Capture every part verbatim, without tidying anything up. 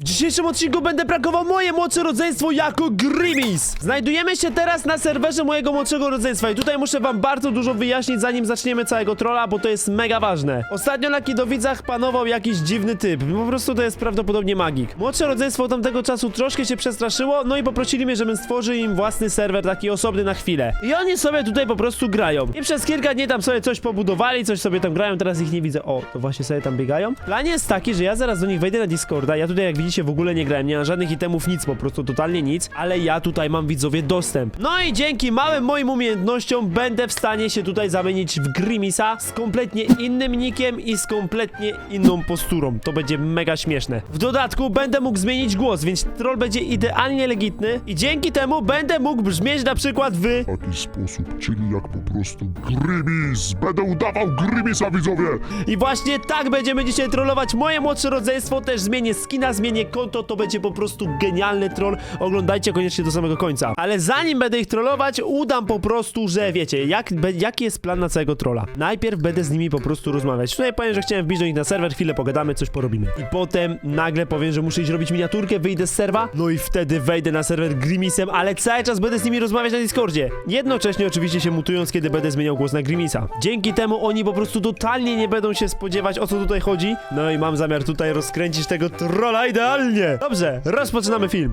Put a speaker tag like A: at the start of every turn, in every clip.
A: dzisiejszym odcinku będę prankował moje młodsze rodzeństwo jako Grimis. Znajdujemy się teraz na serwerze mojego młodszego rodzeństwa i tutaj muszę wam bardzo dużo wyjaśnić, zanim zaczniemy całego trolla, bo to jest mega ważne. Ostatnio na Kidowicach panował jakiś dziwny typ, po prostu to jest prawdopodobnie magik. Młodsze rodzeństwo od tamtego czasu troszkę się przestraszyło, no i poprosili mnie, żebym stworzył im własny serwer, taki osobny na chwilę. I oni sobie tutaj po prostu grają. I przez kilka dni tam sobie coś pobudowali, coś sobie tam grają, teraz ich nie widzę. O, to właśnie sobie tam biegają. Plan jest taki, że ja zaraz do nich wejdę na Discorda, ja tutaj jak widzicie w ogóle nie grałem, nie mam żadnych itemów, nic, po prostu totalnie nic, ale ja tutaj mam, widzowie, dostęp. No i dzięki małym moim umiejętnościom będę w stanie się tutaj zamienić w Grimisa z kompletnie innym nickiem i z kompletnie inną posturą. To będzie mega śmieszne. W dodatku będę mógł zmienić głos, więc troll będzie idealnie legitny i dzięki temu będę mógł brzmieć na przykład w...
B: taki sposób, czyli jak po prostu Grimis. Będę udawał Grimisa, widzowie.
A: I właśnie tak będziemy dzisiaj trollować moje młodsze rodzeństwo, też zmienię skina, zmienię konto, to będzie po prostu genialny troll. Oglądajcie koniecznie do samego końca. Ale zanim będę ich trollować, udam po prostu, że wiecie, jak, be, jaki jest plan na całego trolla. Najpierw będę z nimi po prostu rozmawiać. Tutaj powiem, że chciałem wbić do nich na serwer, chwilę pogadamy, coś porobimy. I potem nagle powiem, że muszę iść robić miniaturkę, wyjdę z serwa, no i wtedy wejdę na serwer Grimisem, ale cały czas będę z nimi rozmawiać na Discordzie. Jednocześnie oczywiście się mutując, kiedy będę zmieniał głos na Grimisa. Dzięki temu oni po prostu totalnie nie będą się spodziewać, o co tutaj chodzi. No i mam zamiar tutaj rozkręcić tego trolla idealnie. Dobrze, rozpoczynamy film.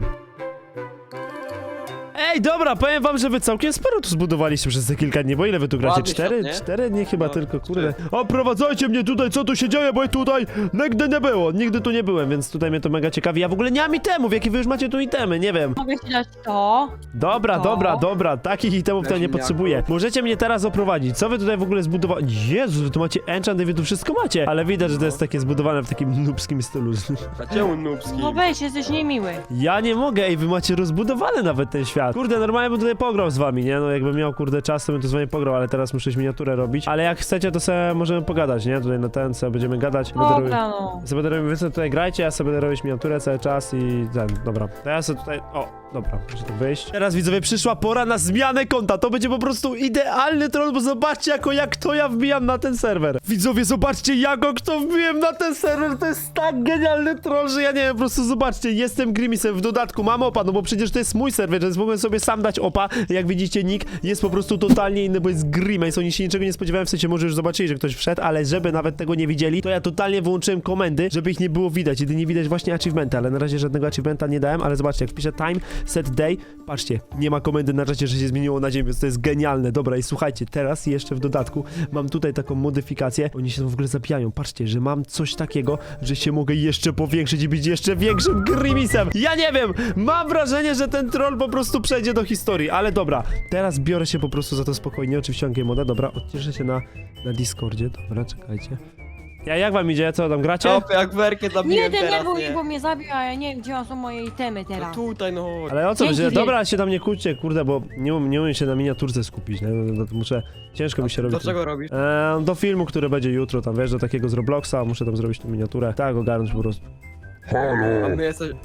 A: Ej, dobra, powiem wam, że wy całkiem sporo tu zbudowaliście przez te kilka dni, bo ile wy tu gracie?
C: Ładny
A: Cztery?
C: świat, nie?
A: Cztery dni chyba
C: No,
A: tylko, kurde.
C: cztery.
A: Oprowadzajcie mnie tutaj, co tu się dzieje, bo ja tutaj nigdy nie było, nigdy tu nie byłem, więc tutaj mnie to mega ciekawi. Ja w ogóle nie mam itemów, jakie wy już macie tu itemy, nie wiem.
D: Mogę ci dać to.
A: Dobra,
D: To?
A: dobra, dobra, takich itemów to
C: Weź
A: nie
C: mnie
A: potrzebuję.
C: jako.
A: Możecie mnie teraz oprowadzić, co wy tutaj w ogóle zbudowali? Jezu, wy tu macie enchant i wy tu wszystko macie, ale widać, że to jest takie zbudowane w takim noobskim stylu.
C: A czemu nubski?
D: No weź, jesteś niemiły.
A: Ja nie mogę, ej, wy macie rozbudowany nawet ten świat. Kurde, normalnie bym tutaj pograł z wami, nie? No jakbym miał, kurde, czas, to bym tu z wami pograł, ale teraz muszę miniaturę robić. Ale jak chcecie, to sobie możemy pogadać, nie? Tutaj na ten, sobie będziemy gadać. Będę robił-
D: Dobra, no.
A: sobie będę robił, wy sobie tutaj grajcie, ja sobie będę robić miniaturę cały czas i ten, dobra. To ja sobie tutaj, o, dobra, muszę tu wyjść. Teraz, widzowie, przyszła pora na zmianę konta. To będzie po prostu idealny troll, bo zobaczcie, jako jak to ja wbijam na ten serwer. Widzowie, zobaczcie, jako kto wbiłem na ten serwer. To jest tak genialny troll, że ja nie wiem, po prostu zobaczcie, jestem Grimisem, w dodatku mam opa, no bo przecież to jest mój serwer, więc mogłem sobie sam dać opa. Jak widzicie, nick jest po prostu totalnie inny, bo jest Grimis. Oni się niczego nie spodziewają, w sensie może już zobaczyli, że ktoś wszedł, ale żeby nawet tego nie widzieli, to ja totalnie wyłączyłem komendy, żeby ich nie było widać. Jedynie widać właśnie achievementa, ale na razie żadnego achievementa nie dałem, ale zobaczcie, jak wpiszę time, set day, patrzcie, nie ma komendy na razie, że się zmieniło na dzień, więc to jest genialne. Dobra, i słuchajcie, teraz jeszcze w dodatku mam tutaj taką modyfikację, oni się w ogóle zabijają, patrzcie, że mam coś takiego, że się mogę jeszcze powiększyć i być jeszcze większym Grimisem. Ja nie wiem, mam wrażenie, że ten troll po prostu przejdzie do historii, ale dobra, teraz biorę się po prostu za to spokojnie, oczywiście mam game moda, dobra, odcieszę się na, na Discordzie, dobra, czekajcie. Ja, jak wam idzie, co tam gracie?
C: Op, jak werkę
D: Nie
C: zabiłem teraz,
D: denerwuj,
C: nie?
D: bo mnie zabił, a ja nie wiem, gdzie są moje itemy
C: No
D: teraz.
C: tutaj, no chodź.
A: Ale o co
D: Dzięki
A: będzie?
D: wielkie.
A: Dobra, się tam nie kłóćcie, kurde, bo nie, um, nie umiem się na miniaturce skupić, nie? No, to muszę, ciężko mi się robi.
C: Do czego robisz?
A: Eee, do filmu, który będzie jutro, tam wiesz, do takiego z Robloxa, muszę tam zrobić tę miniaturę. Tak, ogarnąć po prostu.
C: A
B: Halo.
C: my jesteś...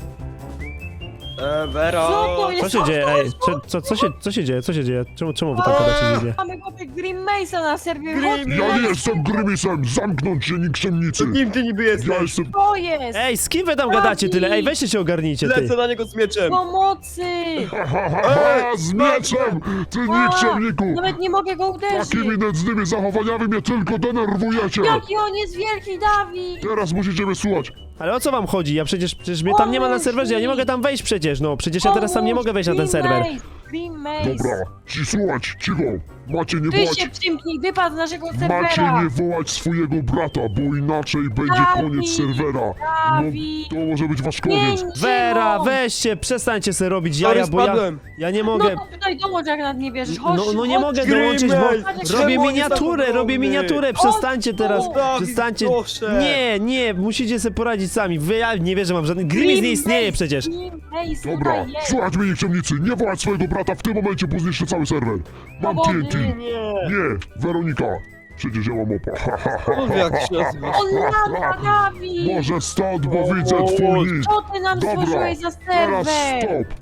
C: E, Wero!
D: Co to jest?
A: Co się dzieje, ej, co, co, co, się, co się dzieje, co się dzieje? Czemu, czemu wy tam gadacie z nim?
D: Mamy chłopie Grimmace'a na serwie.
C: Grim-
B: Ja nie jestem Grimisem. Zamknąć się, nikczemnicy.
C: Kim ty niby jesteś?
B: Ja jestem...
D: To jest!
A: Ej, z kim wy tam gadacie tyle? Ej, weźcie się ogarnijcie, ty.
C: Lecę na niego z mieczem!
D: Pomocy!
B: Ha, ha, ha, ha, z mieczem! Ty nikczemniku!
D: Nawet nie mogę go uderzyć!
B: Takimi nędznymi zachowaniami mnie tylko denerwujecie!
D: Jaki on jest wielki, Dawid!
B: Teraz musicie mnie słuchać.
A: Ale o co wam chodzi? Ja przecież, przecież mnie tam nie ma na serwerze, ja nie mogę tam wejść przecież, no. Przecież ja teraz sam nie mogę wejść na ten serwer.
D: Grimmace!
B: Dobra, ci słuchać, cicho. Macie nie
D: Ty
B: wołać...
D: się przymknij, wypadł z naszego
B: Macie
D: serwera!
B: nie wołać swojego brata, bo inaczej będzie
D: Dawid,
B: koniec serwera.
D: Dawid.
B: No, to może być wasz koniec.
D: Pięć,
A: Vera,
D: no.
A: weźcie, przestańcie sobie robić
C: Sorry,
A: jaja, bo ja,
C: spadłem.
A: ja nie
D: No
A: mogę...
D: to tutaj dołącz, jak nad nie wierzysz. Chodź,
A: No, no nie
D: chodź.
A: mogę
C: Grimmel,
A: dołączyć, bo
C: czemu
A: robię
C: on
A: miniaturę,
C: jest tak
A: robię
C: ogromny?
A: miniaturę, przestańcie teraz,
C: Dawid,
A: przestańcie.
C: proszę.
A: Nie, nie, musicie sobie poradzić sami, wy, ja nie wierzę, mam żadny, Grimis nie istnieje przecież.
D: Grimmace,
B: Dobra,
D: tutaj jest.
B: słuchać mnie nikczemnicy, nie wołać swojego brata w tym momencie, bo zniszczę cały serwer. Mam
D: No
B: T
D: bo-
B: N T.
C: Nie!
B: Nie, Weronika. Przecież ja mam opa. Ha, ha, ha,
C: Mów jak się nazywasz.
D: On lata, Dawid!
B: Może stąd, bo widzę twój nick.
D: Co ty nam
B: Dobra,
D: stworzyłeś za
B: teraz
D: serwer?
B: stop.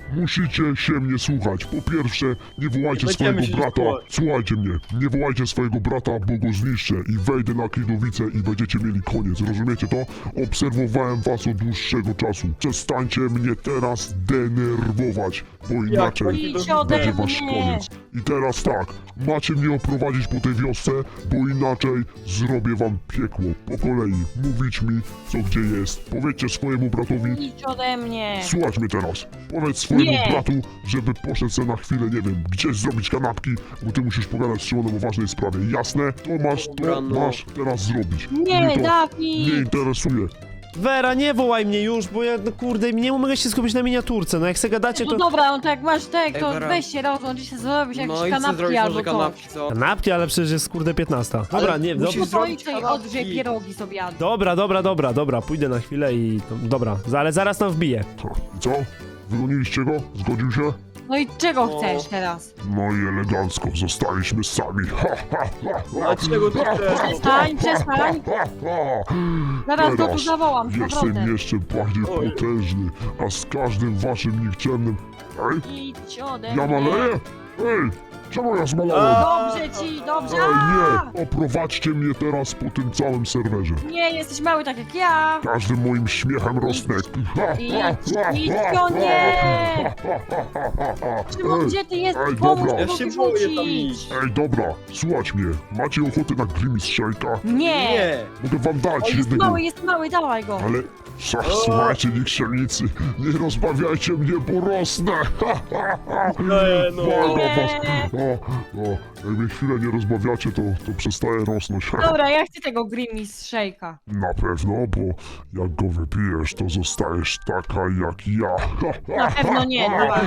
B: musicie się mnie słuchać. Po pierwsze, nie wołajcie
C: Będziemy
B: swojego
C: się
B: brata.
C: słuchać.
B: Słuchajcie mnie, nie wołajcie swojego brata, bo go zniszczę i wejdę na Kidowicę i będziecie mieli koniec. Rozumiecie to? Obserwowałem was od dłuższego czasu. Przestańcie mnie teraz denerwować, bo inaczej
C: to
D: Idź ode
B: będzie wasz
D: mnie.
B: koniec. I teraz tak, macie mnie oprowadzić po tej wiosce, bo inaczej zrobię wam piekło. Po kolei, mówić mi, co gdzie jest. Powiedzcie swojemu bratowi,
D: Idź ode mnie.
B: słuchaj mnie teraz. Powiedz swojemu
D: Nie.
B: bratu, żeby poszedł sobie na chwilę, nie wiem, gdzieś zrobić kanapki, bo ty musisz pogadać z Szymonem o ważnej sprawie. Jasne? To masz, to
C: Dobra, no.
B: masz teraz zrobić.
D: Nie,
B: Mnie to nie
D: Dawid.
B: interesuje.
A: Wera, nie wołaj mnie już, bo ja, no kurde, nie mogę się skupić na miniaturce. No jak se gadacie,
D: No
A: to...
D: dobra, no to jak masz tek,
C: Ej,
D: to
C: Wera.
D: weź się rozłącz i się zrobić jakieś
C: No i chcę
D: kanapki
C: zrobić
D: albo
C: może
D: coś.
C: kanapki, co?
A: Kanapki, ale przecież jest kurde piętnasta. Dobra,
C: Ale
A: nie,
C: musisz
A: dobra.
D: No to
C: zrobić
D: idź tutaj
C: kanapki.
D: odgrzej pierogi sobie jadł.
A: Dobra, dobra, dobra, dobra, pójdę na chwilę i... no, dobra, ale zaraz tam wbiję.
B: Co? I co? Wygoniliście go? Zgodził się?
D: No i czego
C: O.
D: chcesz teraz?
B: No i elegancko, zostaliśmy sami. Ha, ha, ha, ha.
C: Dlaczego ty chcesz?
D: Przestań, przestań.
B: Ha, ha.
D: Zaraz go tu
B: Teraz
D: zawołam z
B: jestem
D: powrotem.
B: jeszcze bardziej
C: Oj.
B: potężny, a z każdym waszym nikczemnym... Ej,
D: Idź ode
B: ja
D: mnie.
B: maleję? Ej, czemu ja zmalałem?
D: Dobrze ci, dobrze.
B: Ej,
D: A!
B: nie, oprowadźcie mnie teraz po tym całym serwerze.
D: Nie, jesteś mały tak jak ja.
B: Każdym moim śmiechem rosnę. Ha, ha,
D: Idź,
B: ha,
D: idź,
B: ha,
D: o nie!
B: ha, ha, ha, ha, ha, ha.
D: Szymon,
B: Ej,
D: gdzie ty jesteś?
B: ej,
D: Pomóż
B: dobra.
D: mi
C: Ja
D: go
C: się boję tam
D: wyrzucić.
C: iść.
B: Ej, dobra, słuchać mnie. Macie ochotę na Grimis Shake'a?
D: Nie.
C: Nie!
B: Mogę wam
D: O,
B: dać
D: jest
B: jednego.
D: mały, jest mały, dawaj go.
B: Ale sa- słuchajcie, nikczemnicy, nie rozbawiajcie mnie, bo rosnę. Ha, ha, ha.
C: Nie, no.
B: Błagam
D: Nie.
B: was. O, o, jak mnie chwilę nie rozbawiacie, to, to przestaje rosnąć.
D: Dobra, ja chcę tego Grimis Shake'a.
B: Na pewno, bo jak go wypijesz, to zostajesz taka jak ja.
D: Na pewno nie, dawaj.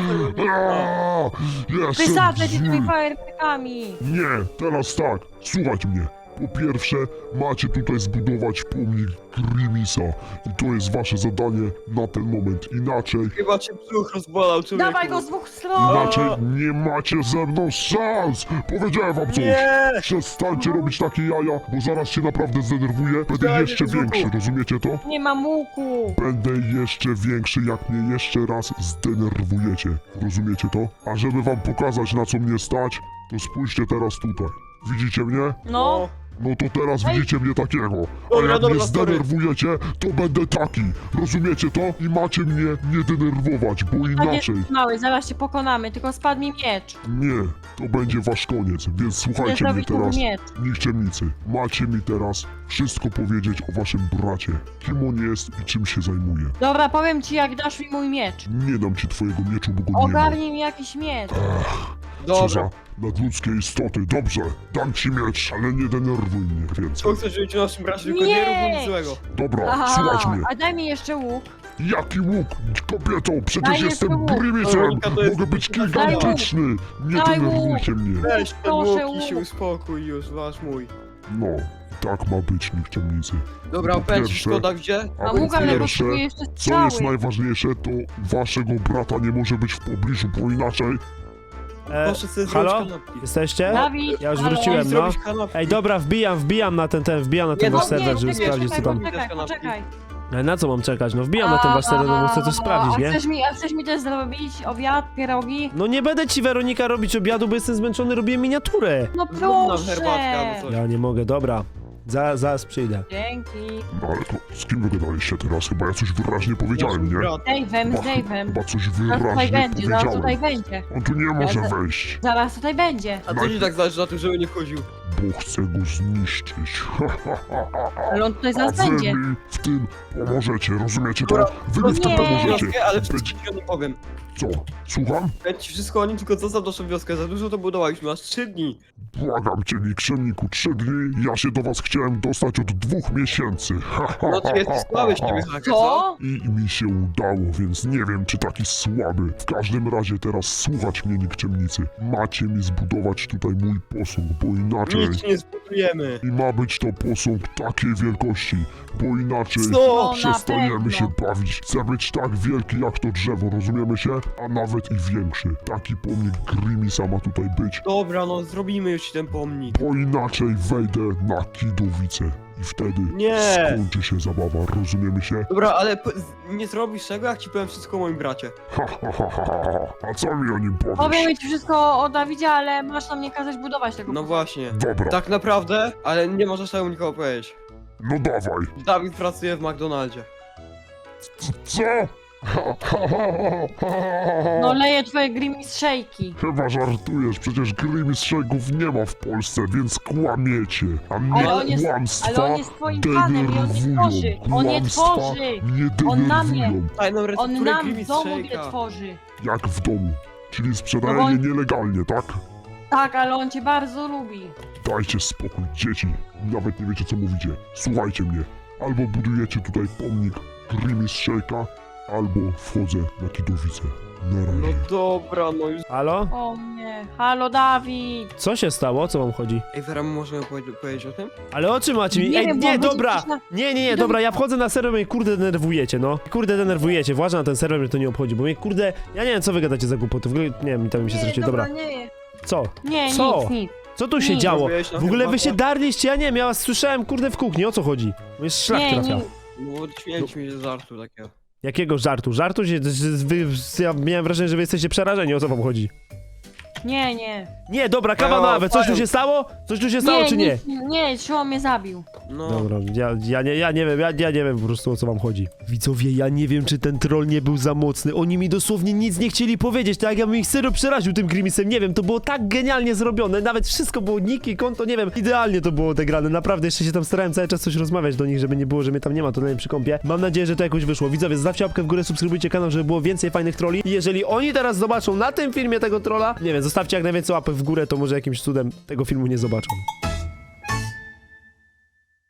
B: Aaa, Jestem
D: Wysadzę cię
B: zły.
D: tymi fajerwerkami.
B: Nie, teraz tak, słuchać mnie. Po pierwsze, macie tutaj zbudować pomnik Grimisa i to jest wasze zadanie na ten moment. Inaczej,
C: Chyba cię brzuch rozbolał, człowieku.
D: Dawaj go z dwóch stron.
B: inaczej nie macie ze mną szans. Powiedziałem wam coś.
C: Nie!
B: Przestańcie robić takie jaja, bo zaraz się naprawdę zdenerwuję. Będę
C: Daj,
B: jeszcze
C: Jezuku.
B: większy, rozumiecie to?
D: Nie mam łuku.
B: Będę jeszcze większy, jak mnie jeszcze raz zdenerwujecie. Rozumiecie to? A żeby wam pokazać, na co mnie stać, to spójrzcie teraz tutaj. Widzicie mnie?
D: No.
B: No to teraz
D: Ej.
B: widzicie mnie takiego. A
C: Dobra,
B: jak
C: dobra,
B: mnie
C: sorry.
B: zdenerwujecie, to będę taki. Rozumiecie to? I macie mnie nie denerwować, bo
D: Tak
B: inaczej...
D: jest mały, zaraz cię pokonamy, tylko spadł mi miecz.
B: Nie, to będzie wasz koniec, więc
D: Chcę
B: słuchajcie mnie
D: zrobić nowy
B: teraz.
D: miecz.
B: Nikczemnicy, macie mi teraz wszystko powiedzieć o waszym bracie. Kim on jest i czym się zajmuje.
D: Dobra, powiem ci jak dasz mi mój miecz.
B: Nie dam ci twojego mieczu, bo go nie ma.
D: Ogarnij mi jakiś miecz.
B: Co
C: Dobra.
B: za nadludzkie istoty. Dobrze, dam ci miecz, ale nie denerwuj mnie więcej.
C: Co chcesz robić o naszym bracie, tylko
D: Nie!
C: nie rób nic złego.
B: Dobra, słuchaj mnie.
D: a daj mi jeszcze łuk.
B: Jaki łuk, kobieto, przecież
D: Daj
B: jestem
D: jeszcze łuk.
B: Grimisem.
C: Weronika, to jest-
B: Mogę być
C: Daj
B: gigantyczny. Nie
D: Daj
B: denerwujcie mnie.
C: Weź ten
D: Proszę,
C: łuk i się
D: łuk.
C: uspokój już, masz mój.
B: No, tak ma być, nikczemnicy.
C: Dobra,
B: Po
C: opędź,
B: pierwsze-
C: szkoda gdzie?
B: A
D: A
B: po
D: łuk, ale
B: pierwsze,
D: potrzebuję jeszcze
B: co jest
D: strzały.
B: najważniejsze, to waszego brata nie może być w pobliżu, bo inaczej...
A: E,
C: Proszę sobie
A: halo?
C: zrobić kanapki.
A: Jesteście?
D: Dawid,
A: Ja już
D: halo?
A: wróciłem, no.
C: Zrobić kanapki.
A: Ej, dobra, wbijam, wbijam na ten, ten, wbijam na ten
C: Nie,
A: wasz
C: no
A: serwer, żeby
D: czekaj,
A: sprawdzić, co
D: czekaj,
A: tam...
D: Poczekaj, poczekaj.
A: Ej, na co mam czekać? No wbijam na ten wasz serwer, bo chcę coś sprawdzić,
D: a
A: nie?
D: Chcesz mi, a chcesz mi też zrobić obiad, pierogi?
A: No nie będę ci, Weronika, robić obiadu, bo jestem zmęczony, robię miniaturę.
D: No
C: Zrób nam
D: proszę.
C: herbatkę albo coś.
A: Ja nie mogę, dobra. Za, zaraz przyjdę.
D: Dzięki.
B: No ale to z kim wy gadaliście teraz? Chyba ja coś wyraźnie powiedziałem,
C: Nasz
B: nie?
C: brat.
D: Dave'em, z
B: Chyba,
D: Dave'em.
B: chyba coś
D: Zaraz tutaj
B: wyraźnie
D: będzie, zaraz tutaj
B: powiedziałem.
D: będzie.
B: On tu nie może
D: Ja za-
B: wejść,
D: Zaraz tutaj będzie.
C: A co ci tak zależy na tym, żeby nie wchodził?
B: bo chcę go zniszczyć.
D: Ale on tutaj
B: A
D: zaraz
B: wy
D: będzie.
B: mi w tym pomożecie, rozumiecie to?
C: Dobra,
B: Wy mi w tym
D: nie.
B: pomożecie.
C: Wioskę, ale
B: Być...
C: wszystko nie powiem.
B: Co? Słucham?
C: Powiem ci wszystko o nim, tylko zostaw naszą wioskę. Za dużo to budowaliśmy, aż trzy dni.
B: Błagam cię, nikczemniku, trzy dni. Ja się do was chciałem dostać od dwóch miesięcy.
C: No ty jesteś słaby, ciebie haker, co?
D: Co?
B: I mi się udało, więc nie wiem, czy taki słaby. W każdym razie teraz słuchać mnie, nikczemnicy. Macie mi zbudować tutaj mój posąg, bo inaczej...
C: Nic nie zbudujemy.
B: I ma być to posąg takiej wielkości, bo inaczej...
C: Co?
D: No, na
B: Przestaniemy
D: pewno.
B: się bawić. Chcę być tak wielki jak to drzewo, rozumiemy się? A nawet i większy. Taki pomnik Grimisa ma tutaj być,
C: Dobra, no zrobimy już ci ten pomnik.
B: bo inaczej wejdę na Kidowicę. i wtedy
C: Nie.
B: skończy się zabawa, rozumiemy się?
C: Dobra, ale p- z- nie zrobisz tego, jak ci powiem wszystko o moim bracie.
B: Ha, ha, ha, ha, ha. A co mi o nim powiesz?
D: Powiem ci wszystko o Dawidzie, ale masz nam nie kazać budować tego.
C: No
D: pokoju.
C: właśnie.
B: Dobra,
C: Tak naprawdę, ale nie możesz tego nikogo powiedzieć.
B: no dawaj.
C: Dawid pracuje w McDonaldzie.
B: Co? Ha, ha, ha, ha, ha, ha.
D: No leje twoje grimis szejki.
B: Chyba żartujesz, przecież Grimis Shake'ów nie ma w Polsce, więc kłamiecie. A mnie
D: Ale on jest-
B: kłamstwa
D: ale on jest twoim panem i on nie
B: denerwują.
D: tworzy. On nie
B: Kłamstwa
D: tworzy.
B: mnie
D: On na mnie.
B: denerwują.
C: Tajną
D: On
C: recepturę
D: nam w
C: Grimis
D: domu je
C: Shake'a.
D: tworzy.
B: Jak w domu. Czyli sprzedaje
D: No bo-
B: je nielegalnie, tak?
D: Tak, ale on cię bardzo lubi.
B: Dajcie spokój, dzieci. Nawet nie wiecie, co mówicie. Słuchajcie mnie. Albo budujecie tutaj pomnik Grimis Shake'a, albo wchodzę na Kidowicę. Na
C: No
B: razie.
C: dobra, no już.
A: Halo?
D: O nie. Halo, Dawid.
A: Co się stało? O co wam chodzi?
C: Ej, Vera, możemy powie- powiedzieć o tym?
A: Ale o czym macie mi?
D: Nie
A: Ej,
D: wiem, bo
A: nie,
D: będzie
A: dobra!
D: coś na-
A: Nie, nie, nie, dobra, ja wchodzę na serwer i mnie kurde denerwujecie, no. Kurde denerwujecie, włażę na ten serwer, mnie to nie obchodzi, bo mnie kurde... Ja nie wiem, co wy gadacie za głupoty, w ogóle, nie wiem, tam mi się straciło, dobra.
D: nie.
A: Co?
D: Nie,
A: Co?
D: nic, nic.
A: Co tu się
D: Nie.
A: działo?
C: Zrobiłeś na
A: W ogóle wy
C: herbatę?
A: się darliście, ja nie wiem, ja was słyszałem kurde w kuchni, o co chodzi? Bo jest szlak
D: Nie,
A: trafia.
D: nie.
C: No bo śmieliśmy się z żartu takiego.
A: Jakiego żartu? Żartu się... że Wy, ja miałem wrażenie, że wy jesteście przerażeni, o co wam chodzi?
D: Nie, nie.
A: Nie, dobra, kawa
C: Ejo,
A: na awę, coś tu
C: fają.
A: się stało? Coś tu się stało, czy nie?
D: nic, nie, Szymon mnie zabił.
C: No.
A: Dobra, ja, ja, nie, ja nie wiem, ja, ja nie wiem po prostu o co wam chodzi. Widzowie, ja nie wiem, czy ten troll nie był za mocny. Oni mi dosłownie nic nie chcieli powiedzieć, tak jak ja bym ich serio przeraził tym Grimisem, nie wiem, to było tak genialnie zrobione, nawet wszystko było niki, konto, nie wiem, idealnie to było odegrane, naprawdę, jeszcze się tam starałem cały czas coś rozmawiać do nich, żeby nie było, że mnie tam nie ma, to na przy kąpie. Mam nadzieję, że to jakoś wyszło. Widzowie, zostawcie łapkę w górę, subskrybujcie kanał, żeby było więcej fajnych trolli i jeżeli oni teraz zobaczą na tym filmie tego trolla, nie wiem, zostawcie jak najwięcej łapek w górę, to może jakimś cudem tego filmu nie zobaczą.